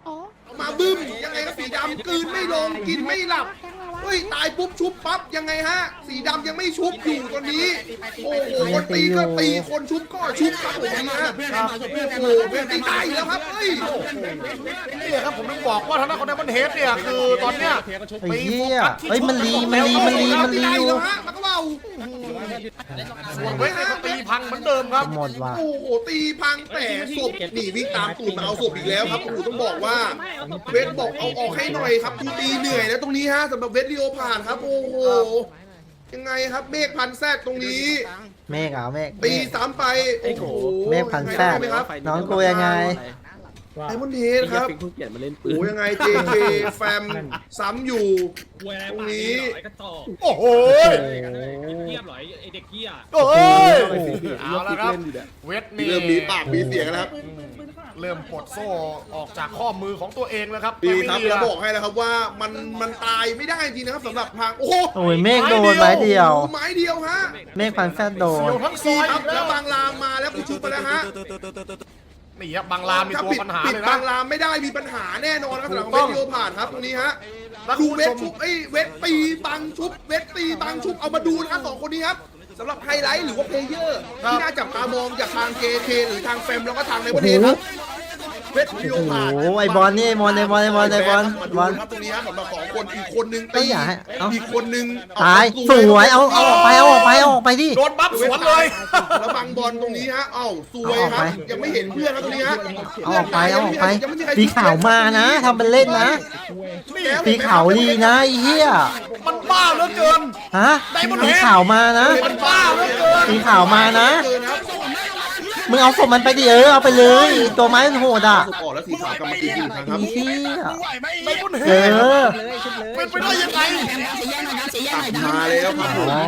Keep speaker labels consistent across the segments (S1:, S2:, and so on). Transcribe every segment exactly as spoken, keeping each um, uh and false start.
S1: มาบึ้มยังไงก็สีดำกลืนไม่ลงกินไม่หลับเฮ้ยตายปุ๊บชุบปั๊บยังไงฮะสีดำยังไม่ชุบอยู่ตอนนี้โอ้โหคนตีก็ตีคนชุบก็ชุบครับผมนะโอ้โหเป็นตีตายแล้วครับเฮ้ย
S2: นี่ครับผมต้องบอกว่าทางด้านของไดมอนด์เฮดเนี่ยคือตอนเนี้ย
S3: ไอ้เหี้ยเฮ้ยมันรีมันรีมันรีมันรีอยู่
S1: มันก็เบา
S2: ส่วนเวทก็ตีพังเหมือนเดิมครับ
S3: หมดว่ะ
S1: โอ้โหตีพังแต่ศพหนีวิ่งตามตูดมาเอาศพอีกแล้วครับโอ้โหต้องบอกว่าเวทบอกเอาออกให้หน่อยครับกูตีเหนื่อยแล้วตรงนี้ฮะสำหรับเวทลีโอผ่านครับโอ้โหยังไงครับเมฆพันแซดตรงนี้
S3: เมฆอ่ะเมฆ
S1: ตีสามไปโอ้โห
S3: เมฆพันแซดน้องกูยังไง
S1: ไดมอนด์เฮดครับโอ้ยังไง เจ เค แฟมซ้ำอยู่ตรงนี้
S2: โอ้โห
S4: เทียบหรอไอเด็กเกี้ย
S2: โอ้ยเอาละครับเวทนี่
S1: เริ่มมีปากมีเสียงแล้วครับ
S2: เริ่มปลดโซ่ออกจากข้อมือของตัวเองแล้วครับ
S1: ดีครับแล้วบอกให้นะครับว่ามันมันตายไม่ได้จริงนะครับสำหรับทางโอ้โห
S3: โอ้ยเมฆโดนไม้เดียว
S1: ไม้เดียวฮะ
S3: เมฆพันแซดโดน
S2: ทั้งซ
S1: ดี
S2: อย
S1: ครับแล้วบางรามมาแล้วกูชุบไปแล้วฮะ
S2: นี่ครับบางรามมีตัวปัญหาเลยนะ
S1: บางรามไม่ได้มีปัญหาแน่นอนครับสำหรับเวทลีโอผ่านครับตรงนี้ฮะดูเวทชุบไอ้เวทตีบังชุบเวทตีบังชุบเอามาดูนะครับสองคนนี้ครับสำหรับไฮไลท์หรือว่าเพลเยอร์ที่น่าจับตามองจากทาง เจ เค หรือทางแฟมแล้วก็ทางในประเทศครับเวทลีโอผ่าน
S3: โอ้ไอบอลนี่ไอบอลไอบอลไอบอลไอบอลบอล
S1: ครับตรงนี้ฮะสำหรับสองคนอีกคนนึงตีอีกคนนึง
S3: ตายสวยเอาเอาออกไปเอาออกไปเอาออกไปดิ
S2: โดนบัฟสวนเลย
S1: แล้วบังบอลตรงนี้ฮะเอ้าสวยครับยังไม่เห็นเพื่อนครับตรงนี้ฮะ
S3: เอาออกไปเอาออกไปสีขาวมานะทำเป็นเล่นนะสีขาวลีนะไอ้เหี้ย
S2: มันบ้าเหลือเกิน
S3: ฮะสีขาวมานะ
S2: มันบ้าเหลือเกิน
S3: สีขาวมานะมึงเอาศพมันไปดิเออเอาไปเลยตัวไม้มันโหดอ่ะ
S1: ออกแล้วสีขาวกลับมาตีอีกครั้งครับ
S3: เหี้ย
S2: เอ
S3: อ
S2: เป็นไปได้ยังไง
S1: มาเลยครับ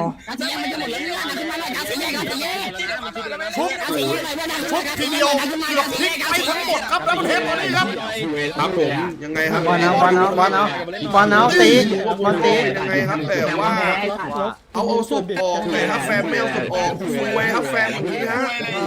S2: ชุบชุบทีเดียวเกือบพลิกไปทั้งหมดครับแล้วมันเทปตอนนี้ครับ
S1: ครับผมยังไงครับ
S3: บอลเอาบอลเอาบอลเอาบอลเอาตีบอลตี
S1: ยังไงครับแต่ว่าเอาเอาศพออกเลยครับแฟนไม่เอาศพออกสวยครับแฟนแบบนี้ฮะ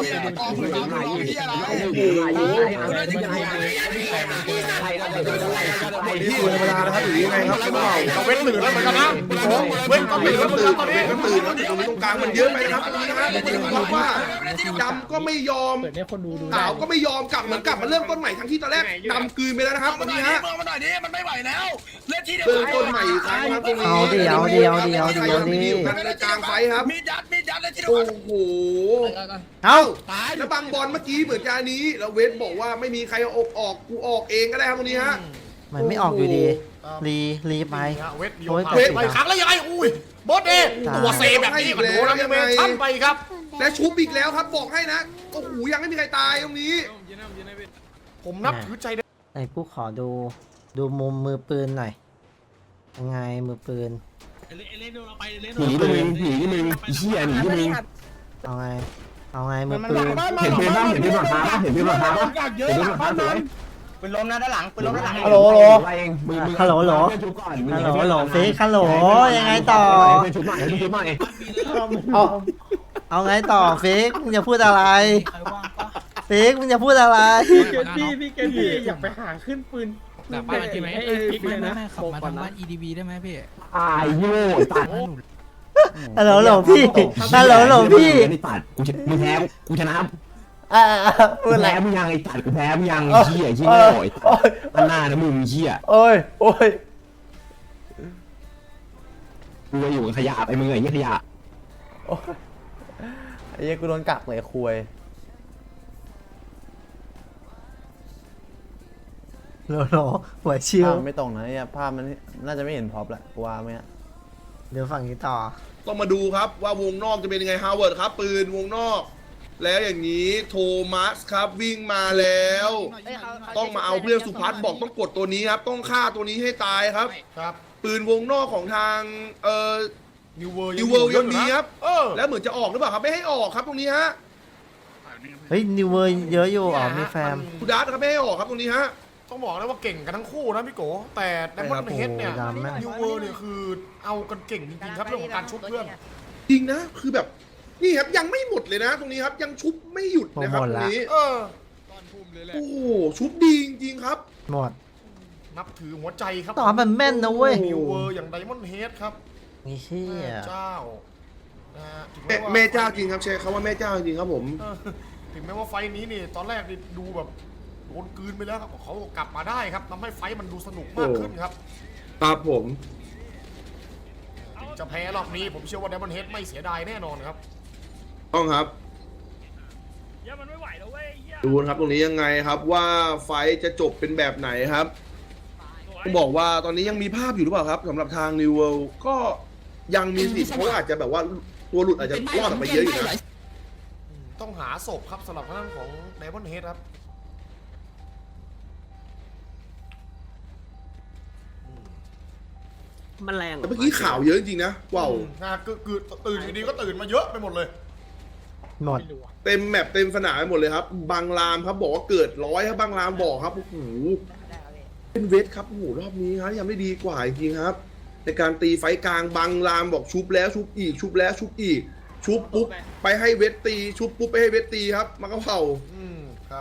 S1: ที่เวลานะครับหรือยังไงครับ
S2: เราเว้นตื่นแล้วเหมือนกันนะเว้นก็ตื่นแล้วตื่นตอนนี้
S1: ก็ตื่นแล้วตรงนี้ตรงกลางมันเยอะไปนะครับตรงนี้นะเพราะว่าดำก็ไม่ยอมขาวก็ไม่ยอมกลับเหมือนกลับมาเริ่มต้นใหม่ทั้งที่ตอนแรกดำคืนไปแล้วนะครับตรงนี้ฮะ
S5: มันไม่ไหวแล้วเล่นที่เดียว
S1: เริ่มต้นใหม่อีกครั้งครับตรงนี้
S3: เอาเดียวเดียวเดียวเดียว
S1: ดี
S3: ดี
S1: กันในกลางไฟครับ
S5: มีดัดมีดัดเลยที่เดียว
S1: โอ้โห
S3: เอา
S1: แล้วบางบอลเมื่อกี้เหมือนการนี้แล้วเวทบอกว่าไม่มีใครเอาออกออกกูออกเองก็ได้ครับตรงนี้ฮะ
S3: มันไม่ออกอยู่ดีรีรีไป
S2: เวทเวทไปครั้งแล้วยังไงอุ้ยบอสเอตัวเซแบบนี้มันโดนแล้วยังไงช้ำไปครับ
S1: และชุบอีกแล้วครับบอกให้นะโอ้โหยังไม่มีใครตายตรงนี้
S2: ผมนับถือใจ
S3: ไอ้กูขอดูดูมุมมือปืนหน่อยยังไงมือปืน
S6: หนีมึงหนีมึงเชี่ยหนีมึง
S3: เอาไงเอาไงมือปืน
S6: เห็นปืนบ้างเห็นปืนหลังคาบ้างเห็นปืนหลังคาบ้างเห็นปืนหลังคาสวย
S5: ปืนล้มนะด้านหลังปืนล้มด้านหลัง
S3: ฮัลโหลฮัลโหลฮัลโหล
S6: ฮัลโหล
S3: ฮัลโหลฮัลโหลฟิกฮัลโหลยังไงต่อ
S6: ชุบใหม่ชุบใหม่
S3: เอาเอาไงต่อฟิกมึงจะพูดอะไรฟิกมึงจะพูดอะไร
S7: พี่เกดพี่พี่เกดพี่อยากไปหาขึ้นปืน
S4: แต่บ้านใช่ไหมไม่ไม่ไม่ขับมาทางบ้าน อี ดี บี ได้ไหมพี่
S6: อายโย่ตัด
S3: ฮัลโหลฮัลโหลพี่ฮัลโหลฮัลโหลพี่
S6: ตัดกูมึงแพ้กูชนะ
S3: อ่า
S6: กูแพ้มึงยังไอ้ตัดกูแพ้มึงยังเหี้ยเหี้ยโง่อันหน้านะมึงเหี้ย
S3: โอ้ยโอ้ย
S6: กูอยู่กับขยะไปมึงไอ้เหี้ยขยะ
S3: ไอ้เหี้ยกูโดนกักเลยคุยโหลโหลหัวชิว
S8: ไม่ตรงนะเนี่ยภาพมันน่าจะไม่เห็นพร็อพแหละกูว่าไหม
S3: เดี๋ยวฝั่งนี้ต่อ
S1: ต้องมาดูครับว่าวงนอกจะเป็นยังไงฮาวเวิร์ดครับปืนวงนอกแล้วอย่างนี้โทมัสครับวิ่งมาแล้วต้องมาเอาเพื่อนสุพัฒน์บอกต้องกดตัวนี้ครับต้องฆ่าตัวนี้ให้ตายครับ
S2: ครับ
S1: ปืนวงนอกของทางเอ่อ
S2: นิวเวิร์
S1: นิวเวิร์ยังมีครับแล้วเหมือนจะออกหรือเปล่าครับไม่ให้ออกครับตรงนี้ฮะ
S3: เฮ้ยนิวเวิร์เยอะอยู่อ๋อมีแฟม
S1: คูดัสครับไม่ให้ออกครับตรงนี้ฮะ
S2: ต้องบอกเลยว่าเก่งกันทั้งคู่นะพี่โกแต่ไดมอนด์เฮดเนี่ยนิวเวิร์เนี่ยคือเอากันเก่งจริงๆครับเรื่องของการชุบเพื่อน
S1: จริงนะคือแบบนี่ครับยังไม่หมดเลยนะตรงนี้ครับยังชุบไม่หยุดนะครับตรงนี้เออโอ้โหชุบดีจริงๆครับ
S3: หมด
S2: นับถือหัวใจครับ
S3: ตอบมันแม่นนะเว้ย
S2: นิวเวอร์อย่างไดมอนด์เฮดครับ
S3: นี่เชี่ย
S2: แม่เจ้านะฮะถึง
S1: แม่
S2: แม้ว่า
S1: แม่เจ้าจริงครับใช้คำว่าแม่เจ้าจริงครับผม
S2: เออถึงแม้ว่าไฟท์นี้นี่ตอนแรกนี่ดูแบบโดนกลืนไปแล้วครับเขากลับมาได้ครับทำให้ไฟท์มันดูสนุกมากขึ้นครับ
S1: ครับผม
S2: ถึงจะแพ้รอบนี้ผมเชื่อว่าไดมอนด์เฮดไม่เสียดายแน่นอนครับ
S1: ต้องครับดูนะครับตรงนี้ยังไงครับว่าไฟท์จะจบเป็นแบบไหนครับต้องบอกว่าตอนนี้ยังมีภาพอยู่หรือเปล่าครับสำหรับทาง New World ก็ยังมีสิทธิ์เพราะว่าอาจจะแบบว่าตัวหลุดอาจจะรอดออกไปเยอะอยู่นะ
S2: ต้องหาศพครับสำหรับทางด้านของไดมอนด์เฮดครับ
S7: มันแรง
S1: แต่เมื่อกี้ข่าวเยอะจริงๆนะว้าว
S2: นะคือคือตื่นอยู่ดีก็ตื่นมาเยอะไปหมดเลย
S3: หมด
S1: เต็มแมปเต็มสนามไปหมดเลยครับบางรามครับบอกว่าเกิดร้อยครับบางรามบอกครับโอ้โหเป็นเวทครับโอ้โหรอบนี้ครับยังไม่ดีกว่าจริงๆครับ ในการตีไฟกลางบางรามบอกชุบแล้วชุบอีกชุบแล้วชุบอีก ชุบปุ๊บไปให้เวทตีชุบปุ๊บไปให้เวทตีครับมันก็เผา
S2: อืมครับ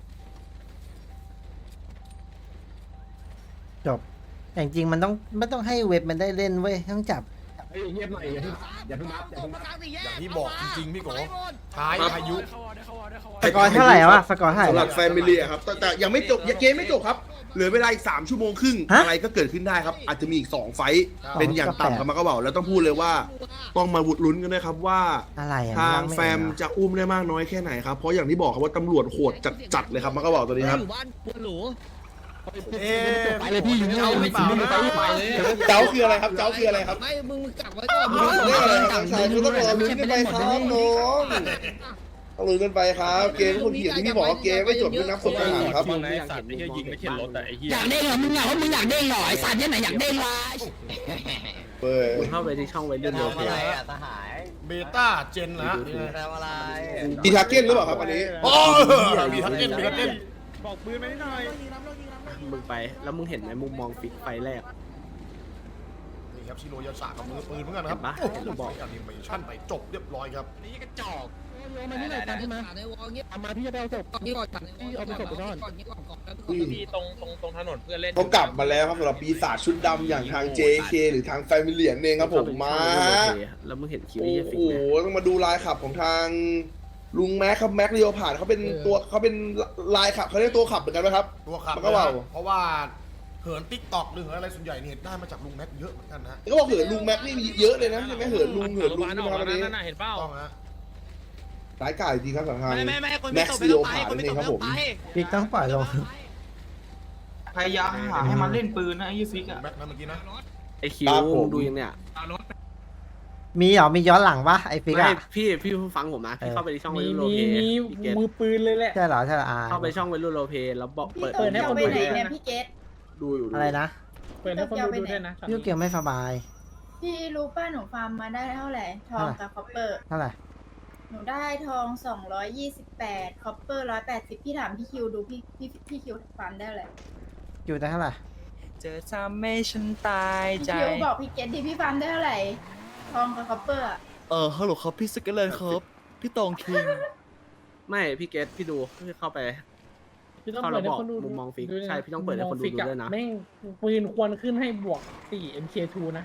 S3: จบแต่จริงๆมันต้องไม่ต้องให้เว็บมันได้เล่นเว้ยต้องจับ
S6: เงียบหน่อยอย่าเพิ่งอย่าเพิ่งนับอย่าเพิ่งนับ
S2: อย่างที่บอกจริงๆพี่โกท้ายพายุ
S3: สกอร์เท่าไหร่วะสกอร์เท่าไหร่
S1: สำหรั
S3: วะ
S1: บแฟมิลี่ครับแต่แต่ยังไม่จบยังเกมไม่จบครับเหลือเวลาอีกสามชั่วโมงครึ่ง
S3: ฮะ
S1: อะไรก็เกิดขึ้นได้ครับ อาจจะมีอีกสองไฟท์เป็นอย่างต่ำครับมันก็บอกแล้วต้องพูดเลยว่า ต้องมาวุดลุ้นกันด้วยครับว่า
S3: อะไรอ่ะ
S1: ทาง
S3: น
S1: แฟมจะอุ้มได้มากน้อยแค่ไหนครับ เพราะอย่างที่บอกครับว่าตำรวจโหดจัดๆเลยครับมันก็บอกตัวนี้ครับ
S2: เอ๊ะ
S6: ไปเลยพี่อยู่นี่
S2: เจ้าหรือเปล่านะ
S1: เจ้าคืออะไรครับ เจ้าคืออะไรครับ
S5: ไม่มึงมึงกักไว้ก่อนมึง
S1: เรื่องอะไรครับชายคุณต้องรอลุ้นกันไปครับน้องต้องลุ้นกันไปครับ เกมคนเขียนที่พี่บอกว่าเกมไม่จบด้วยนับศพทหารครับ
S7: มึงไอ้สัตว์ไอ้เหี้ยยิงไม่เข็นรถแต่ไอ้เหี้ย
S5: อยากเด้งเหรอมึงอยากว่ามึงอยากเด้งเหรอไอ้สัตว์เนี่ยไหนอยากเด้งวะ
S1: เปิด
S5: เข้าไปที่ช่องไว้เรื่องโลเค
S2: เบต้าเจนนะ
S1: มีทาร์เก็ตหรือเปล่าครับอันนี้
S2: โอ้มีทักเก็ตมีทักเก็ต
S7: บอกปืนมานิดหน่อย
S5: มึงไปแล้วมึงเห็นไหมมุมมองฟิกไฟแรก
S2: นี่ครับชิโรยาสะกับมือปืนเหมือนกันนะครับ
S5: เห็นปะ
S2: โอ้โหบอกแอนิเมชั่นไปจบเรียบร้อยครับ
S5: มาที่ไหนกันใช่ไหมมาพี่จะไปเอาศพก่อนก่อนพี่เอาไปศพไปก่อนก่อนก่อนก่อน
S7: พี่ตรงตรงตรงถนนเพื่อนเล่น
S1: เขากลับมาแล้วครับสำหรับปีศาจชุดดำอย่างทาง เจ เค หรือทางแฟมิเลียนเองครับผมมา
S5: แล้วมึงเห็นคิว
S1: โอ้
S5: ที่ฟิก
S1: โห
S5: ไหม
S1: ต้องมาดูลายขับของทางลุงแม็กครับแม็กเรียวผ่านเขาเป็นตัวเขาเป็นลายขับเขาเรียกตัวขับเหมือนกันไหมครับ
S2: ตัวขับ
S1: มันก็ว่าว
S2: เพราะว่าเหินติ๊กตอกหรือเหินอะไรส่วนใหญ่เนี่ยได้มาจากลุงแม็กเยอะเหมือนกันนะ
S1: ก็บอกเหินลุงแม็กนี่มีเยอะเลยนะใช่ไหมเหินลุงเหินลุง
S7: อ
S1: นะ
S7: อก
S1: ครับ
S7: มา
S1: วันนี้
S7: นั่นน่ะเห็นเปล่า
S2: ต้องฮะ
S1: สายก่ายจริงครับสำหรับทาง
S5: ไม่ไม่ไม่คน
S1: แม็
S5: ไม่
S1: ก
S5: ตก
S1: ซ์
S5: ไม่
S1: เรี
S5: ต้
S1: ย
S5: อ
S1: ว
S5: งไป
S1: ผ่าน
S5: คน
S1: นั่น
S5: ไม่
S1: เอง
S5: ต
S1: ค
S5: ก
S1: รับ
S5: ไม่
S1: ผ
S5: ต้อ
S1: ม
S5: งไป
S3: ฟิกต้องปล่อยลง
S9: พยายามหาให้มันเล่นปืนนะไอ้ยี่ฟิกอะ
S2: แม็กนะเมื่อกี้นะ
S5: ไอคิวดูยังเนี่ย
S3: มีเหรอมีย้อนหลังปะไอ้ฟิก
S5: ไม่
S3: อะ
S5: พี่พี่ฟังผมนะพี่เข้าไปที่ช่อง
S7: มี
S5: วัยรุ่นโล
S7: มี
S5: เพ
S7: มี
S5: พี่เกต
S7: มือปืนเลยแหละ
S3: ใช่เหรอใช่เหรออ่า
S5: เข้าไปช่องวัยรุ่นโลเพแล้วบอกเปิด
S7: เปิดให้คนดูด้วยนะ
S10: พี่เกต
S5: ดูอยู่
S3: อะไรนะ
S7: เปิดให้คนดูดูด้วยนะ
S3: ยูเกียวไม่สบาย
S10: พี่รู้ป่ะหนูฟาร์มมาได้เท่าไหร่ ทองกับคอปเปอร์
S3: เท่าไหร่
S10: หนูได้ทองสองร้อยยี่สิบแปดคอปเปอร์ร้อยแปดสิบพี่ถามพี่คิวดูพี่พี่พี่คิวฟาร์มได้เท่าไหร่
S3: อยู่ได้เท่าไหร่
S9: เจอทำให้ฉันตาย
S10: พี่
S9: ใจ
S10: คิวบอกพี่เกตดิพี่ฟาร์มได้เท่าไหร่ ทองกับคอปเปอร์อะ
S9: เออฮัลโหลครับพี่สเกเลนครับพี่ตองคิง
S5: ไม่พี่เกตพี่ดูพี่เข้าไป
S7: พี่ต้องเปิดให้คนดู
S5: มุมมองฟิกใช่พี่ต้องเปิดให้คนดูดูด้วยนะ
S7: แม่งปืนควรขึ้นให้บวกสี่ เอ็ม เค ทู นะ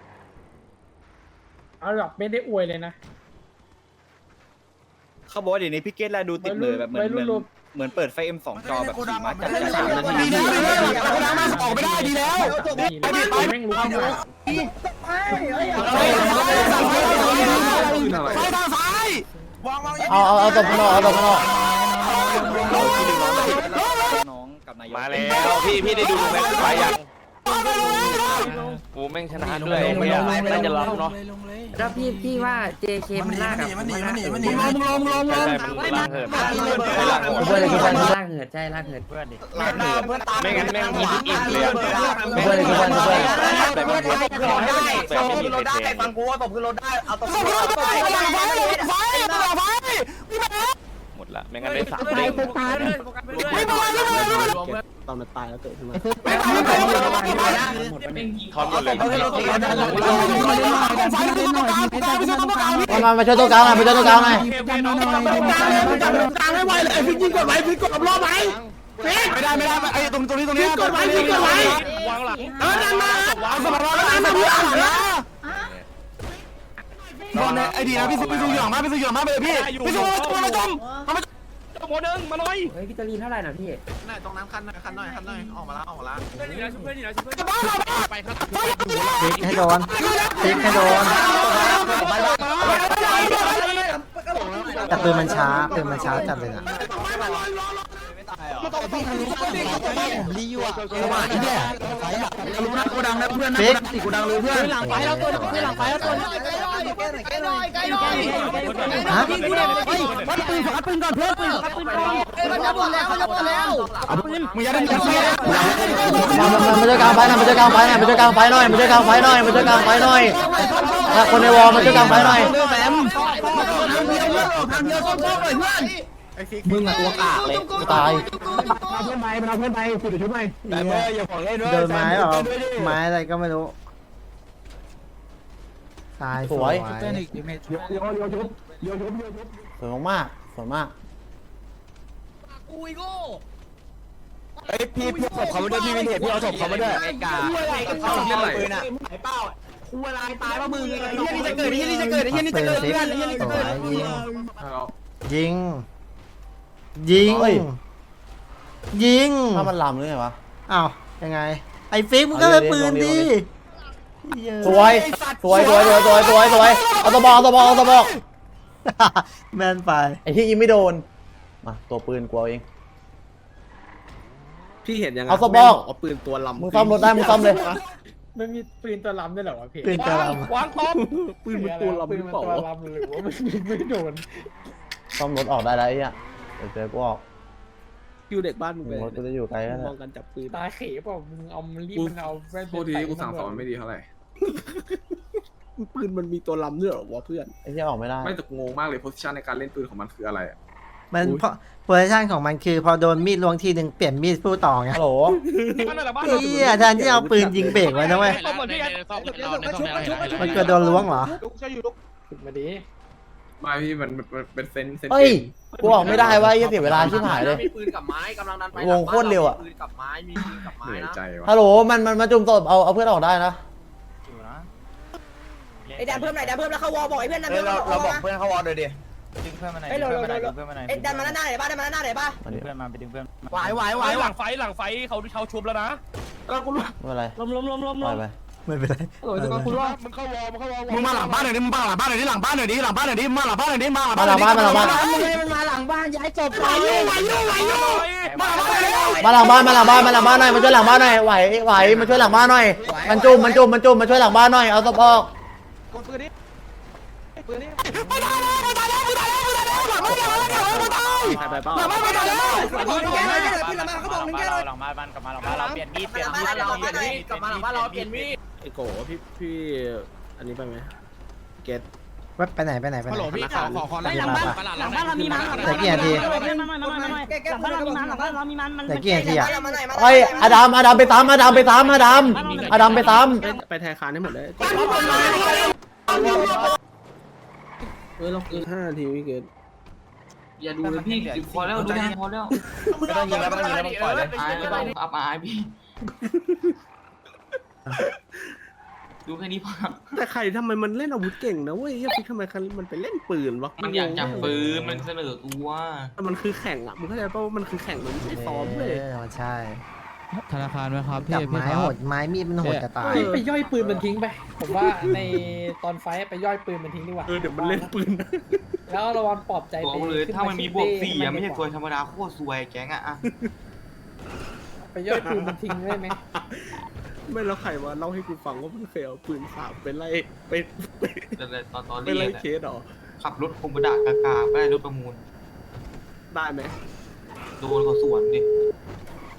S7: เอาแบบไม่ได้อวยเลยนะ
S9: เขาบอกว่าเดี๋ยวนี้พี่เกตแลดูติดเลยแบบเหมือน
S7: วัย
S9: เห
S7: รุ่
S9: มือน น
S7: รวม
S9: เหมือนเปิดไฟเอ็มสองจอแบบขี่ม้าจัด
S5: สามนาที
S7: ดีแล้วออกไม่ได้ดีแล้วแม่งรู้เข้ามา
S3: เอาเอาเอาตบข้างนอกเอาตบข้างนอก
S9: น้องกับนายก
S6: มาแล้วพี่พี่ได้ดูแม็กซ์ไปยังกูแม่งชนะด้วยเนี่ยน่าจะรับเนาะ
S5: แล้วพี่พี่ว่า เจ เค มันลากอะมันหนีมันหนีมันหนี
S6: ใช่ใช่มันล่างเหินล่าง
S3: เพื่อนเลยเพื่อน
S5: ลากเหินใช่ลากเหินเพื่อนดิ
S6: ไม่งั้นแม่งมีทุกอิ่มเลย
S3: เพื่อนเลยเพื่อนเพื่อน
S6: แต่มันเห็นแบบไม่มีใครเท
S5: ฟังกูว่าตบคือรถได้เอาตบ
S6: หมดละไม่งั้นได้สามเด้ง
S5: ตอนมันตายแล้วเกิดขึ้นมา
S6: ทอนหมดเลย
S3: มามามาช่วยตัวกลางหน่อยมาช่วยตัวกลางหน่อย
S7: กลางให้ไวเลยฟิกยิงกดไว้ฟิกกดรอบไหมไม่ได้ไม่ได้ไอ้ตรงตรงนี้ตรงนี้
S5: กดไว้พี่กดไว้
S6: วางหลัง
S7: เออนั่นมาเอาสมบัติเราได้มาพี่อ่านนะบอลเนี่ยไอ้ดีนะพี่ซูพี่ซูหยองมากพี่ซูหยองมากไปเลยพี่พี่ซูตัวละจม
S6: โมนึงมาหน่อย
S5: เฮ้ยพี่ตาลีเท่าไหร่นะพี่
S2: ไหนตรงน้ำคันหน่อยคันหน่อยคันหน่อยออกมาแล้วออกมาแล้ว
S3: พลิกให้โดนพลิกให้โดนแต่ปืนมันช้าปืนมันช้าจัดเลยนะผมรีอยู่อ่ะพลิก
S7: กูดังเลยเพื่อน
S5: หลังไฟแล้วตัวคือหลังไฟแล้วตัว
S3: ฮะ
S7: วัดปืนวัดปืนก่อนเพื่อนปืนวัดปืนก่อน
S5: มันจะหมดแล้วมันจะหมดแล้ว
S7: เอาปืนมึงอย่าได้ยินเสียง
S3: มามามาช่วยกลางไฟหน่อยมาช่วยกลางไฟหน่อยมาช่วยกลางไฟหน่อยมาช่วยกลางไฟหน่อยมาช่วยกลางไฟหน่อยคนในวอลมาช่วยกลางไฟหน่อย
S7: แหมทางเดียวต้องเลยเพื่อน
S3: มึงอะตัวกากเลยตาย
S7: เอาเพื่อนไปมันเอาเพื่อนไปสุดชุดไปแต่เมื่ออย่าของเล่นด้วย
S3: เดินไม้เหรอไม้อะไรก็ไม่รู้ตายสวย
S4: เต้นอีกเมท
S7: โยโยโยชุบโยชุบโยชุบ
S8: สวยมากสวยมาก
S7: ไอ้พี่พี่ศพเขาไม่ได้พี่วินเทจพี่เอาศพเขาไม่ได้ไอ้กาเข้าเรื่องปืนอ่ะไอ้เป้าคู่อะไรตายว่ามึงไอ้เหี้ยนี่จะเกิดไอ้เหี้ยนี่จะเกิดไอ้เหี้ยนี่จะเกิดเพื่อนไอ้เหี้ยนี่จะเกิด
S3: ยิงยิงยิงยิง
S8: ถ้ามันลำหรือไงวะ
S3: อ้าวยังไงไอ้ฟิกมึงก็เลยปืนดิ
S8: สวยสวยสวยสวยสวยสวยสวยเอาตะบอกเอาตะบอกเอาตะบอก
S3: แม่นไป
S8: ไอ้ที่ยิงไม่โดนมาตัวปืนกูเอาเอง
S5: พี่เห็นยังไง
S8: เอาสบอก
S5: เอาปืนตัวลำ
S8: มึงซ่อมรถได้มึงซ่อมเลย
S5: ไม่มีปืนตัวลำด้วยเหรอวะพี่
S3: ปืนกระล
S6: วางตบ
S5: ปืนมันตัวลำหรือเปล่าวะหรือว่ามันไม่โดน
S8: ซ่อมรถออกได้แล้วไอ้เหี้ยเดี๋ยวเจอกูออก
S5: คิวเด็กบ้านมึงไป
S8: รถกูจะอยู่ไกลแล้ว
S5: ม
S8: นะ
S5: องกันจับปืน
S4: ตาเขยเปล่ามึงเอามันรีบมันเอาแว่น
S5: โทษทีกูสั่งสอนไม่ดีเท่าไหร่ปืนมันมีตัวลำด้วยเหรอวะเพื่อน
S8: ไอ้ที่ออกไม่ได้
S5: ไม่แต่งงมากเลยโพสิชันในการเล่นปืนของมันคืออะไร
S3: ำมันเพราะโพซิชันของมันคือพอโดนมีดลวงทีหนึ่งเปลี่ยนมีดสู้ต่อไง
S8: ฮัลโหล
S3: เฮียแทนที่เอาปืนยิงเบรกไว้นะเว้ยมันก็โดนล้วงเหรอ
S5: มาดี
S9: ไม่พี่มันมันเป็นเซนเซน
S8: เฮ้ยกูออกไม่ได้วะยี่เสียเวลาชิบหายเลย
S5: มีปืนกับไม้กำลังดันไป
S8: วงโคตรเร็วอะ
S5: ปืนกับไม้มีปืนกับไม้
S9: เหนื่อย
S5: นะ
S9: ใจวะ
S8: ฮัลโหลมันมันมาจุ่มศพเอาเอาเพื่อนออกได้นะ
S11: ไอ้ดันเพิ่มหน่อยดันเพิ่มแล้วเขาวอบอกไอ้เพื่อนดัน
S7: เฮ้
S11: เพิ่
S7: ย
S11: ม
S7: เราเราบอกเพื่อนเขาวอลเลยดิ
S4: ดึงเพื่อนมาไหน
S11: เฮ้ย
S4: ดึ
S11: เรา
S4: งเพื่อนมาไหน
S11: เรา
S4: ดึงเพื่อนมาไหน
S11: ไอ้ดันมาหน้าไหนบ้างดันมาหน้าไหนบ้าง
S8: มา
S4: ดึ
S8: ดิ
S4: งเพื่อนมาไปดึงเพื่อน
S7: ไหวไหวไหว
S6: หลังไฟหลังไฟเขาเขาชุบแล้วนะ
S8: ไม่เป็นไร
S11: ล้มล้มล้มล้ม
S8: ปล่อยไป
S3: ไม่เป็นไร
S5: โอ้ยจะมาคุณว่า
S6: มึงเข้าวอลมึงเข้าวอล
S7: มึงมาหลังบ้านหน่อยดิมึงมาหลังบ้านหน่อยดิหลังบ้านหน่อยดิหลังบ้านหน่อยดิมาหลังบ้านหน่อยดิมาหลัง
S8: มา
S7: บ้าน
S8: หลังบ้านมาหลังบ้าน
S11: มันมาหลังบ้านย้ายศพ
S7: ไหวอยู่ไหวอยู่ไหวอยู่มาหลังบ้านเลย
S8: มาหลังบ้านมาหลังบ้านมาหลังบ้านหน่อยมาช่วยหลังบ้านหน่อยไหวไหวมาช่วยหลังบ้านหน่อยมันจุ่มมันจุ่มมันจุ่มมาช่วยหลังบ้านหน่อยเอาศพออก
S5: ใครไปเป้า
S7: หลังบ้านไปแล้ว
S4: หลังบ้านบ้านกลับมาหลังบ้านเราเปลี่ยนมีดเปลี่ยนมีด
S11: เราเปลี่ยนมีด
S4: กลับมาหลังบ้านเราเปลี่ยนมีด
S5: ไอ้โกพี่พี่อันนี้ไปไหมเกต
S3: เว็บไปไหนไปไหนไปไหน
S4: พี่ขอขอขอ
S11: หลังบ้านหลังบ้านเรามีมัน
S3: แต่กี่นาที
S11: หลังบ้านเรามีมันหลังบ้านเรามีมันมัน
S3: แต่กี่นาทีอะ
S8: ไอ้อดัมอดัมไปซ้ำอดัมไปซ้ำอดัมอดัมไปซ้
S5: ไปแทนคานให้หมดเลยเฮ้ยเราคือห้านาทีพี่เกต
S9: อย่าดูเลยพี่พอแล้วดูแลพอแล้ว
S7: ไม่ต้องยิงแล้วไม่ต้องยิงแล้วปล่อยเลย
S9: อายไม่ต้องอับอายพี่ดูแค่นี้พอ
S5: แต่ใครทำไมมันเล่นอาวุธเก่งนะเว้ยยังทำไมมันไปเล่นปืนวะ
S9: มันอยากจับปืนมันเสนอตัว
S5: มันคือแข่งอ่ะมึงเข้าใจป่ะว่ามันคือแข่งมันไม่ใช่ซ้อมเลย
S3: เออใช่
S4: ธนาคารไหมครับพี่
S3: จับ
S4: พี่
S3: ไม้
S4: ครั
S3: โห
S4: บ
S3: ดไม้มีดมันโหดจะตาย
S4: ไปย่อยปืนมันทิ้งไปผมว่าในตอนไฟไปย่อยปืนมันทิ้งดีกว่า
S5: เออเดี๋ยวมันเล่นปืน
S4: แล้วระวังปลอบใจ
S9: บอกเลยถ้ามันมีบวกสี่อะไม่ใช่ตัวธรรมดาโคตรซวยแก๊งอะอะ
S4: ไปย่อยปืนมันทิ้งได้ไหม
S5: ไม่แล้วใครวะเล่าให้กูฟังว่ามันเคยเอาปืนสามไปไล่ไปไป
S9: ตอนตอน
S5: ไป
S9: เรีย
S5: ไล่
S9: น
S5: เคสเหรอ
S9: ขับรถคอมบดากากาไปรถประมูล
S5: ได้ไหม
S9: โดนเขาสวนดิ